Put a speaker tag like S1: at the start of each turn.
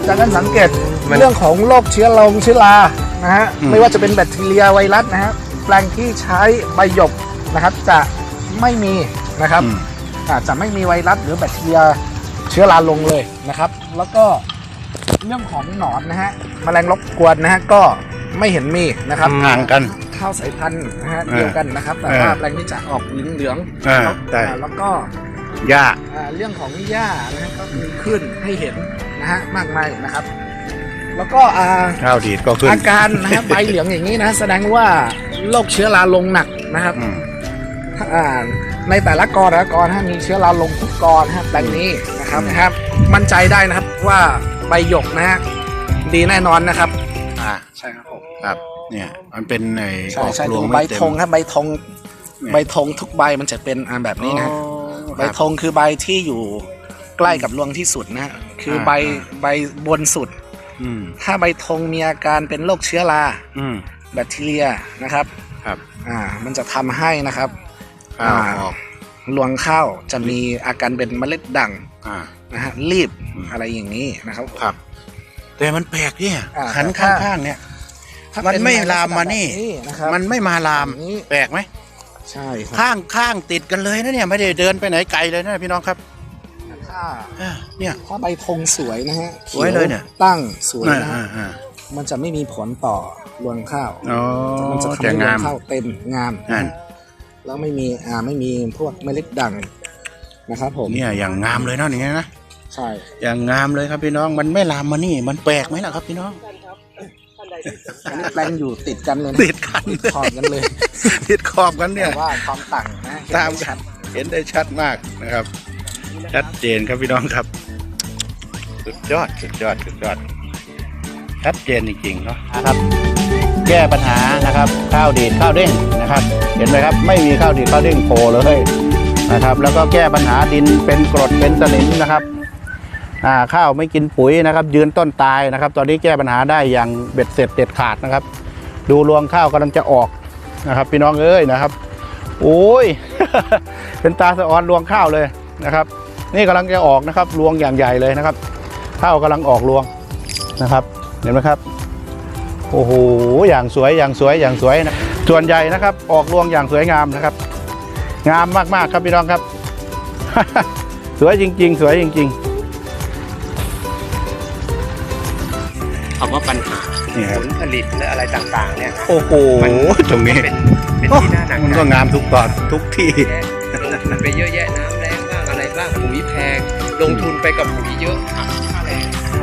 S1: จากการสังเกตเรื่องของโรคเชื้อรานะฮะไม่ว่าจะเป็นแบคทีเรียไวรัสนะฮะแปลงที่ใช้ใบหยกนะครับจะไม่มีนะครับจะไม่มีไวรัสหรือแบคทีเรียเชื้อราลงเลยนะครับแล้วก็เรื่องของหนอนนะฮะแมลงรบกวนนะฮะก็ไม่เห็นมีนะครับ
S2: ห่างกัน
S1: ข้าวสายพันธุ์นะฮะเดียวกันนะครับแต่ว่าแปลงนี้จะออกเหลืองแล้วก็
S2: หญ้า
S1: เรื่องของหญ้านะฮะก็มีขึ้นให้เห็นนะฮะมากมายนะครับแล้วก็
S2: ข้าวดีดก็ขึ้น
S1: อาการนะฮะใบเหลืองอย่างนี้นะแสดงว่าโรคเชื้อราลงหนักนะครับในแต่ละกอมีเชื้อราลงทุกกอนะครับแปลงนี้นะครับมั่นใจได้นะครับว่าใบหยกนะฮะดีแน่นอนนะครับใช่ครับผม
S2: ครับเนี่ยมันเป็นในออกรวง
S1: ใบธงครับใบธงทุกใบมันจะเป็นแบบนี้นะใบธงคือใบที่อยู่ใกล้กับรวงที่สุดนะคือใบบนสุดถ้าใบธงมีอาการเป็นโรคเชื้อราแบคทีเรียนะครับมันจะทำให้นะครับรวงข้าวจะมีอาการเป็นเมล็ดด่างนะฮะรีบอะไรอย่างนี้นะครับ
S2: แต่มันแปลกเนี่ยขันข้างๆเนี่ยมันไม่ลามมานี่มันไม่มาลามแปลกไหม
S1: ใช่
S2: ข้างติดกันเลยนะเนี่ยไม่ได้เดินไปไหนไกลเลยนะพี่น้องครับ
S1: เนี่ยถ้าใบธงสวยนะฮะ
S2: สวยเลยเนี่ย
S1: ตั้งสวยนะมันจะไม่มีผลต่อรวงข้าวมันจะทำให้รวงข้าวเต็มงามแล้วไม่มีพวกเมล็ดด่างนะครับผม
S2: เนี่ยอย่างงามเลยเนาะอย่างเงี้ยนะ
S1: ใช่
S2: อย่างงามเลยครับพี่น้องมันไม่ลามมานี่มันแปลกไหมล่ะครับพี่น้อง
S1: อันนี้แปลงอยู่ติดกันเลย
S2: ติด
S1: ขอบกันเลย
S2: ติดขอบกันเนี่ย
S1: ว่าความต่างนะ
S2: ตามชัดเห็นได้ชัดมากนะครับชัดเจนครับพี่น้องครับสุดยอดชัดเจนจริงๆเนาะครับแก้ปัญหานะครับข้าวดีดข้าวเด้งนะครับเห็นไหมครับไม่มีข้าวดีดข้าวเด้งโผล่เลยนะครับแล้วก็แก้ปัญหาดินเป็นกรดเป็นสนิมนะครับข้าวไม่กินปุ๋ยนะครับยืนต้นตายนะครับตอนนี้แก้ปัญหาได้อย่างเบ็ดเสร็จเด็ดขาดนะครับดูรวงข้าวกำลังจะออกนะครับพี่น้องเอ้ยนะครับโอ้ย เป็นตาสะออนรวงข้าวเลยนะครับนี่กำลังจะออกนะครับรวงอย่างใหญ่เลยนะครับข้าวกำลังออกรวงนะครับเห็นไหมครับโอ้โหอย่างสวยนะส่วนใหญ่นะครับออกรวงอย่างสวยงามนะครับงามมากๆครับพี่น้องครับ สวยจริงๆ
S3: คำว่าปัญหาผลผลิตและอะไรต่างๆเนี่ย
S2: โอ้โหตรงนี้
S3: เป็นที่น่าหนัก
S2: มันก็งามทุกตอนทุกที่
S3: ลงทุนไปเยอะแยะน้ำแรงบ้างอะไรบ้างปุ๋ยแพงลงทุนไปกับปุ๋ยเยอะค่าแรง